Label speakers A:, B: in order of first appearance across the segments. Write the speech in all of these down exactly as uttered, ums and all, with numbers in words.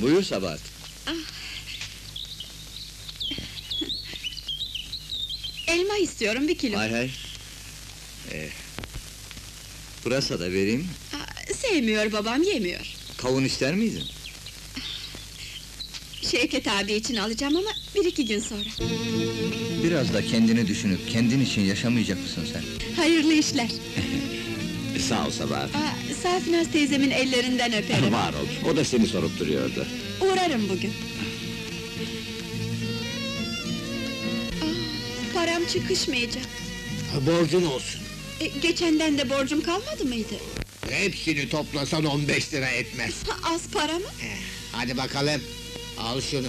A: Buyur Sabahat.
B: Elma istiyorum, bir kilo.
A: Hay hay. Ee, pırasa da vereyim.
B: Aa, sevmiyor babam, yemiyor.
A: Kavun ister miydin?
B: Şevket abi için alacağım ama bir iki gün sonra.
A: Biraz da kendini düşünüp, kendin için yaşamayacak mısın sen?
B: Hayırlı işler.
C: Sağ ol Sabahat.
B: Aa, Safinaz teyzemin ellerinden öperim.
C: Var ol, o da seni sorup duruyordu.
B: Uğrarım bugün. Aa, param çıkışmayacak.
D: Borcun olsun.
B: E, geçenden de borcum kalmadı mıydı?
D: Hepsini toplasan on beş lira etmez.
B: Ha, az para mı?
D: Eh, hadi bakalım, al şunu.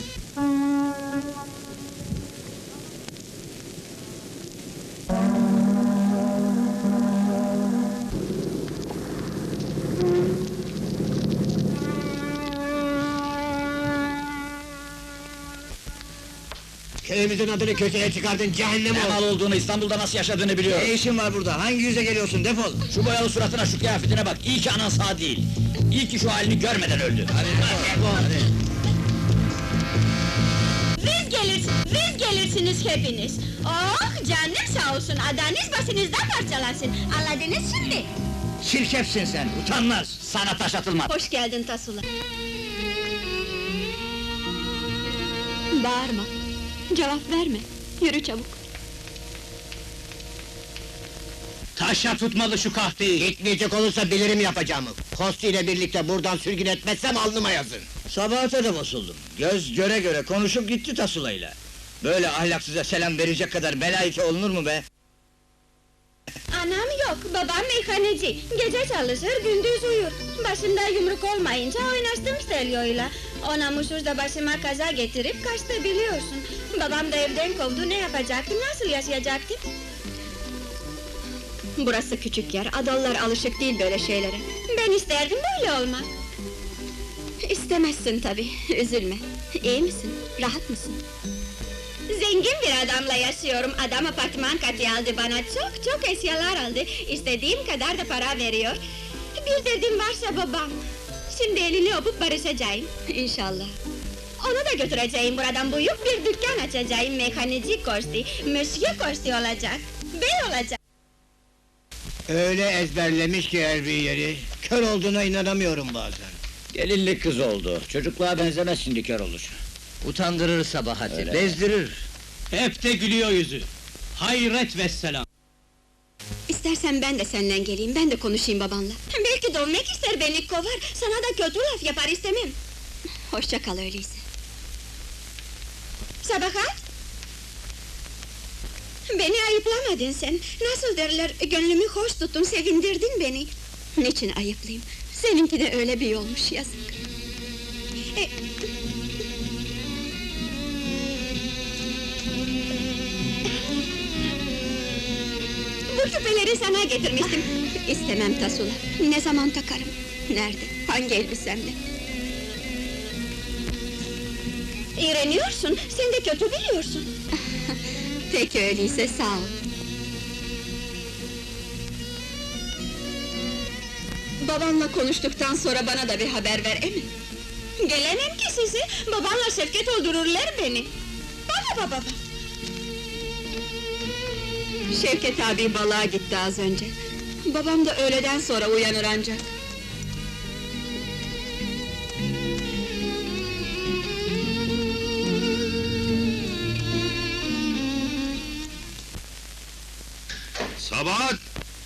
D: Köyümüzün adını köşeye çıkardın, cehennem
C: Ne
D: ol!
C: mal olduğunu, İstanbul'da nasıl yaşadığını biliyor.
A: Ne işin var burada? Hangi yüze geliyorsun? Defol!
C: Şu boyalı suratına, şu kıyafetine bak, iyi ki anan sağ değil. İyi ki şu halini görmeden öldü.
A: Hadi defol, hadi!
E: Biz gelir, biz gelirsiniz hepiniz. Oh, canım sağ olsun, adanız başınızdan parçalansın. Anladınız şimdi?
C: Çirkefsin sen, utanmaz! Sana taş atılmaz!
B: Hoş geldin Tasula. Bağırma. Cevap verme. Yürü çabuk.
C: Taşa tutmalı şu kahveyi!
D: Gitmeyecek olursa bilirim yapacağımı. Kosti ile birlikte buradan sürgün etmezsem alnıma yazın.
A: Sabahat'a da bozuldum. Göz göre göre konuşup gitti Tasula'yla. Böyle ahlaksıza selam verecek kadar belayike olunur mu be?
E: Anam yok, babam meyhaneci. Gece çalışır, gündüz uyur. Başında yumruk olmayınca oynaştım Stelio'yla. O namussuz da başıma kaza getirip kaçtı biliyorsun. Babam da evden kovdu, ne yapacaktım, nasıl yaşayacaktım?
B: Burası küçük yer, adalılar alışık değil böyle şeylere.
E: Ben isterdim böyle olmak.
B: İstemezsin tabii, üzülme. İyi misin, rahat mısın?
E: Zengin bir adamla yaşıyorum. Adam apartman katı aldı bana, çok çok eşyalar aldı. İstediğim kadar da para veriyor. Bir derdim varsa babam. Şimdi elini öpüp barışacağım.
B: İnşallah.
E: Onu da götüreceğim buradan, büyük bir dükkan açacağım. Mekanici Korsi, Monsieur Korsi olacak. Bey olacak.
D: Öyle ezberlemiş ki her bir yeri, kör olduğuna inanamıyorum bazen.
C: Gelinlik kız oldu, çocukluğa benzemez şimdi kör olur.
A: Utandırır Sabahat'i,
C: Öyle.
A: bezdirir.
F: Hep de gülüyor yüzü. Hayret vesselam.
B: İstersen ben de senden geleyim, ben de konuşayım babanla.
E: Belki dönmek ister, beni kovar. Sana da kötü laf yapar, istemem.
B: Hoşça kal öyleyse.
E: Sabahat! Beni ayıplamadın sen. Nasıl derler, gönlümü hoş tuttun, sevindirdin beni.
B: Niçin ayıplayayım? Seninki de öyle bir yolmuş, yazık.
E: E, Bu küpeleri sana getirmiştim.
B: İstemem Tasula. Ne zaman takarım? Nerede? Hangi elbisemle?
E: İğreniyorsun, sen de kötü biliyorsun.
B: Peki öyleyse, sağ ol. Babanla konuştuktan sonra bana da bir haber ver, emin.
E: Gelemem ki sizi, babanla Şevket öldürürler beni. Baba baba baba.
B: Şevket abi balığa gitti az önce. Babam da öğleden sonra uyanır ancak.
G: Sabahat!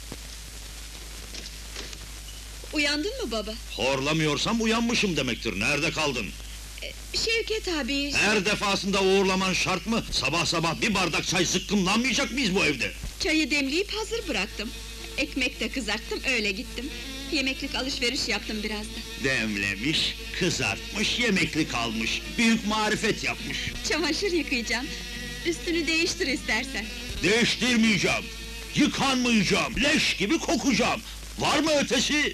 B: Uyandın mı baba?
G: Horlamıyorsam uyanmışım demektir, nerede kaldın?
B: Şevket abi...
G: Her defasında uğurlaman şart mı? Sabah sabah bir bardak çay zıkkımlanmayacak mıyız bu evde?
B: Çayı demleyip hazır bıraktım. Ekmek de kızarttım, öyle gittim. Yemeklik alışveriş yaptım biraz da.
G: Demlemiş, kızartmış, yemeklik almış, büyük marifet yapmış.
B: Çamaşır yıkayacağım. Üstünü değiştir istersen.
G: Değiştirmeyeceğim, yıkanmayacağım, leş gibi kokacağım. Var mı ötesi?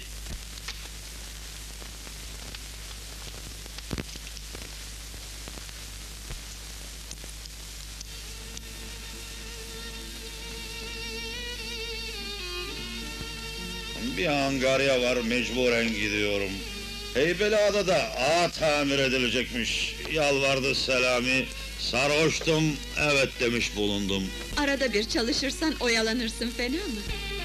G: Bir angarya var, mecburen gidiyorum. Heybeliada'da ağa tamir edilecekmiş. Yalvardı Selami. Sarhoştum, evet demiş bulundum.
B: Arada bir çalışırsan oyalanırsın, fena mı?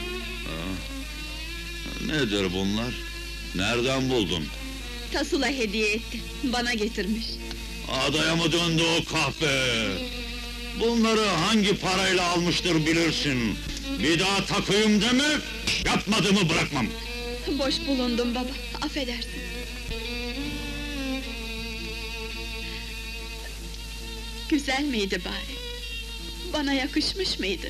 G: Nedir bunlar? Nereden buldun?
B: Tasula hediye etti, bana getirmiş.
G: Adaya mı döndü o kahpe? Bunları hangi parayla almıştır bilirsin. Bir daha takayım deme, yapmadığımı bırakmam.
B: Boş bulundum baba, affedersin. Güzel miydi bari? Bana yakışmış mıydı?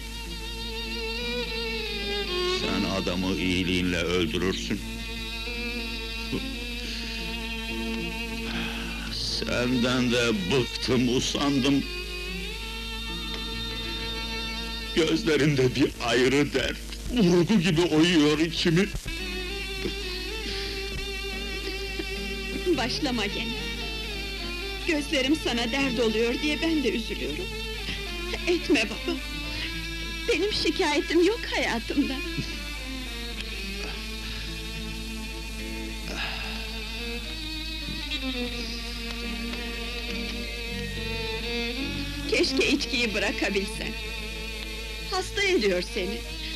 G: Sen adamı iyiliğinle öldürürsün. Senden de bıktım, usandım. Gözlerinde bir ayrı dert, vurgu gibi oyuyor içimi.
B: Başlama gene. Gözlerim sana dert oluyor diye ben de üzülüyorum. Etme baba. Benim şikayetim yok hayatımda. Keşke içkiyi bırakabilsen. Hasta ediyor seni.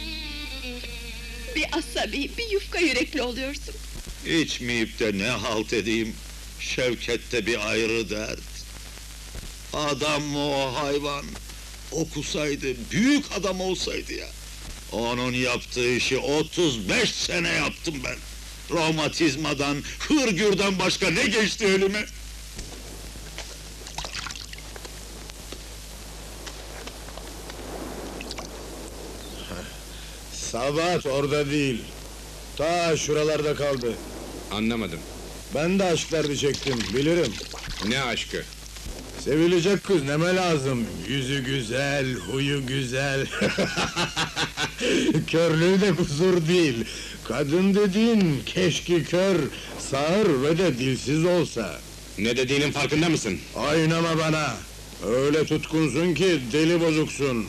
B: Bir asabi, bir yufka yürekli oluyorsun.
G: İçmeyip de ne halt edeyim? Şevket'te bir ayrı dert. Adam mı o hayvan? Okusaydı, büyük adam olsaydı ya. Onun yaptığı işi otuz beş sene yaptım ben. Romatizmadan, hırgürden başka ne geçti elime?
H: Sabahat orada değil. Ta şuralarda kaldı.
I: Anlamadım.
H: Ben de aşk derdi çektim, bilirim.
I: Ne aşkı?
H: Sevilecek kız neme lazım? Yüzü güzel, huyu güzel. Körlüğü de kusur değil. Kadın dediğin keşke kör, sağır ve de dilsiz olsa.
I: Ne dediğinin farkında mısın?
H: Oynama bana. Öyle tutkunsun ki deli bozuksun.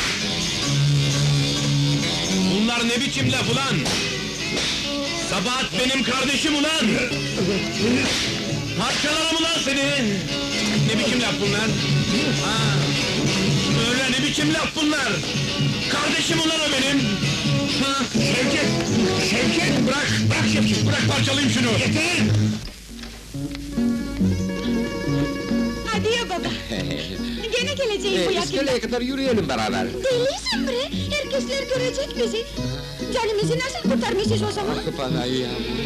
I: Bunlar ne biçim laf ulan? Sabahat benim kardeşim ulan! Parçalarım ulan seni! Ne biçim laf bunlar? Ha, öyle ne biçim laf bunlar? Kardeşim ulan o benim! Ha. Şevket! Şevket! Bırak! Bırak Şevket! Bırak parçalayayım şunu! Yeter!
E: Hadi ya baba. Gene geleceğim bu yakında.
J: İskeleye kadar yürüyelim beraber.
E: Delisin bre, herkesler görecek bizi. Canımızı nasıl kurtarmışız o zaman?
J: Ah bana ya.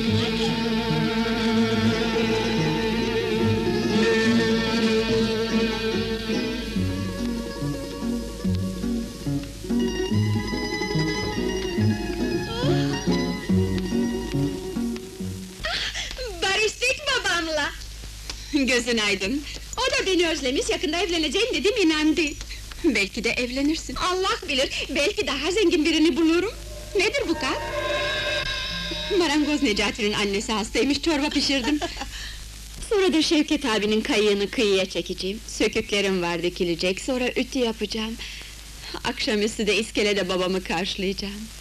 E: Barıştık babamla.
B: Gözün aydın.
E: O da beni özlemiş, yakında evleneceğim dedim, inandı.
B: Belki de evlenirsin.
E: Allah bilir, belki daha zengin birini bulurum. Nedir bu kap?
B: Marangoz Necati'nin annesi hastaymış, çorba pişirdim. Sonra da Şevket abinin kayığını kıyıya çekeceğim. Söküklerim var dikilecek, sonra ütü yapacağım. Akşamüstü de iskelede babamı karşılayacağım.